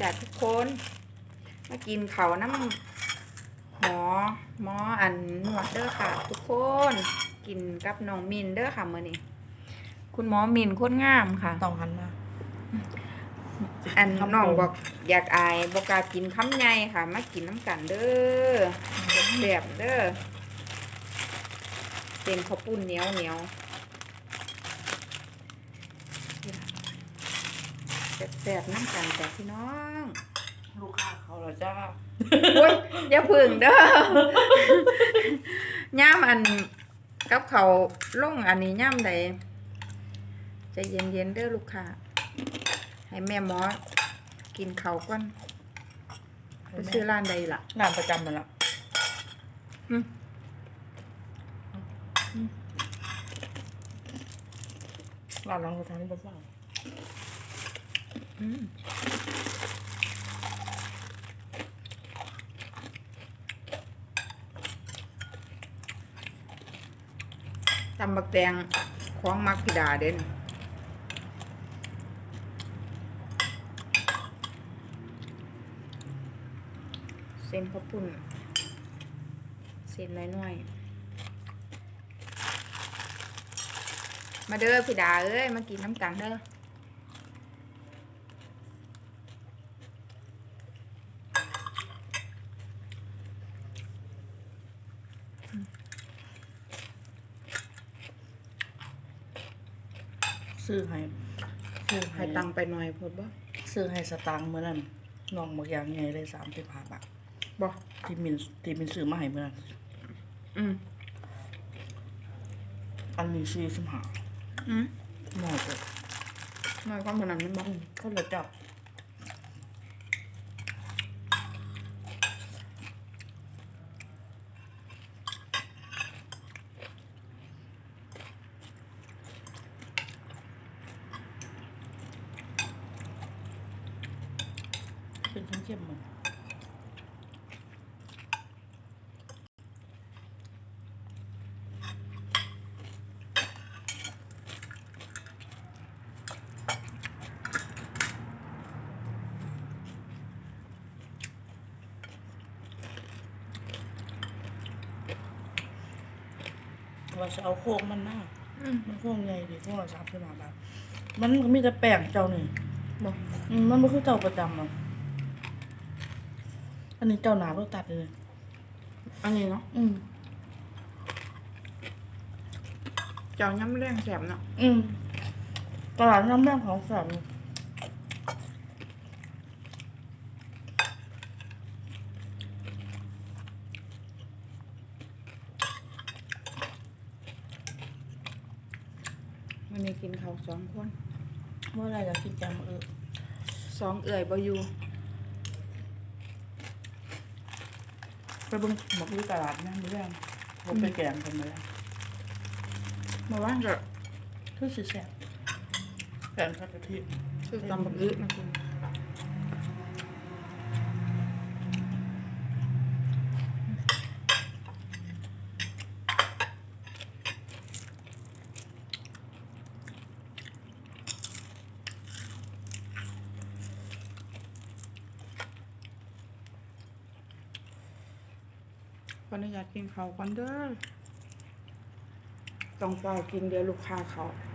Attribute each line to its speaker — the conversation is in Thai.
Speaker 1: จ้ะทุกคนมากินเขาน้ำหมออันนวดเด้อค่ะทุกคนกินกับน้องมินเด้อค่ะมื้อนี้คุณหมอมินโคตรงามค่ะ
Speaker 2: ต้องหันมา
Speaker 1: อันน้องบอกอยากอายบอกกล้ากินคำใหญ่ค่ะมากินน้ำกันเด้อแซ่บเด้อเป็นข้าวปุ้นเหนียวแซ่บน้ำกันแต่พี่น้อง
Speaker 2: ลูกค้าเขาเหรอจ้า
Speaker 1: โอ้ยอย่าพึ่งเด้อย่ามอันกับเขาลงอันนี้ย่ามใดใจเย็นๆเด้อลูกค้าให้แม่หมอกินเขาวก่อนไปซื้อร้านใดล่ะ
Speaker 2: ร้านประจำมันละร้านรองกระทะนี่บ้าง
Speaker 1: ตำบักแตงของมักพิดาเด่นเส้นข้าวปุ้นเส้นน้อยๆมาเด้อพิดาเอ้ยมากินน้ำกันเด้อ
Speaker 2: ซื้อให้
Speaker 1: ตังไปหน่อยพอบ่
Speaker 2: ซื้อให้สตางค์เมื่อนั้นน้องบอกอย่างไงเลย35 บาท
Speaker 1: บ่
Speaker 2: ที่มินซื้อมาให้เมื่อนั้นอันนี้45น้อยเลย
Speaker 1: น้อยความขนาดนั้นบ่
Speaker 2: ก็เลยจับเป็นเข้มๆมันเราจะเอาโค้งมันหน้ามันโค้งใหญ่ดิโค้งละ35 บาทมันก็มีแต่แป้งเจ้านี่
Speaker 1: บอก
Speaker 2: มันไม่คือเจ้าประจำหรอกอันนี้เจ้าหนาเราตัดเลย
Speaker 1: อันนี้เนาะเจ้าย้ำแรงแสบเนาะ
Speaker 2: ตลาดน้ำแม่ของแสบ
Speaker 1: วันนี้กินข้าว2 คน
Speaker 2: เมื่อไรจะกินจำ
Speaker 1: 2 เอื่อยบ่อยู่
Speaker 2: ไปเบิ่งหมกที่ตลาดนะมื้อแรกผมไปแกงกันมาแล้ว
Speaker 1: มาว่าจะ
Speaker 2: คือสิแซ่บแกงผัดกะทิ
Speaker 1: คือตำบักอึนะคุณขออนุญาตกินข้าวก่อนเด้อต้องเฝ้ากินเดี๋ยวลูกค้าเขา